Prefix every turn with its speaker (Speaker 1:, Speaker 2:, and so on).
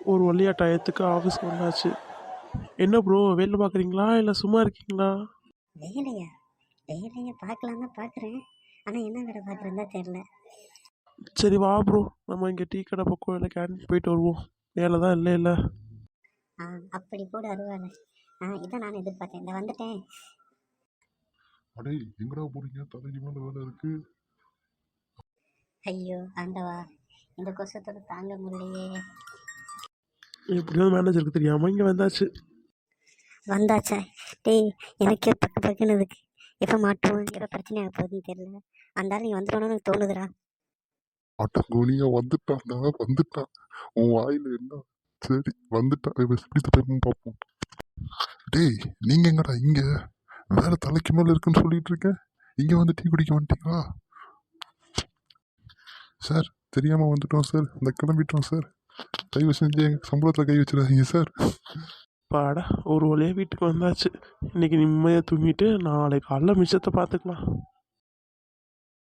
Speaker 1: ஒரு வழியாக டயத்துக்கு ஆஃபீஸ்க்கு வந்தாச்சு. என்ன ப்ரோ, வேலை பார்க்குறீங்களா இல்லை சும்மா இருக்கீங்களா?
Speaker 2: வேலையா? வேலையை பார்க்கலாம் தான் பார்க்குறேன். ஆனால் என்ன வேலை பார்க்குறேன்னு தான் தெரில.
Speaker 1: சரி வா ப்ரோ, நம்ம இங்கே டீ கடை பக்கம் இல்லை கேண்டீன் போயிட்டு வருவோம். வேலை தான் இல்லை இல்லை.
Speaker 2: அப்படி கூட அருவாள். இதான் நான் எதிர்பார்த்தேன். இந்த வந்துட்டேன்.
Speaker 3: அடே எங்கடா போறீங்க? தலைக்கு மேல வேலை இருக்கு.
Speaker 2: ஐயோ ஆண்டவா, இந்த கொசத்தோட தாங்க முடியலையே.
Speaker 1: எப்படியாவது மேனேஜருக்கு தெரியாமல் இங்கே வந்தாச்சு.
Speaker 2: வந்தாச்சா? டேய், எனக்கே பக்கு பக்குன்னு இருக்கு. எப்போ மாட்டுவோம், எப்போ பிரச்சனை ஆக போகுதுன்னு தெரியல. அந்த நீ வந்துடணும்னு எனக்கு தோணுதுடா.
Speaker 3: அட்டங்கோலியா வந்துட்டான்டா, வந்துட்டான். உன் வாயில என்ன? சரி வந்துட்டான், எப்படி தப்பேன்னு பார்ப்போம். டேய் நீங்க எங்கடா இங்க? வேற தலைக்கு மேல இருக்குன்னு சொல்லிட்டு இருக்கேன், இங்க வந்து டீ குடிக்க வந்துட்டீங்களா? சார் தெரியாம வந்துட்டோம் சார், இந்த கிளம்பிட்டோம் சார். தயவு செஞ்சு எங்க சம்பளத்துல கை வச்சிடாதீங்க சார்.
Speaker 1: பாடா, ஒரு வழியாக வீட்டுக்கு வந்தாச்சு. இன்னைக்கு நிம்மதியாக தூங்கிட்டு நாளைக்கு காலைல மிச்சத்தை பார்த்துக்கலாம்.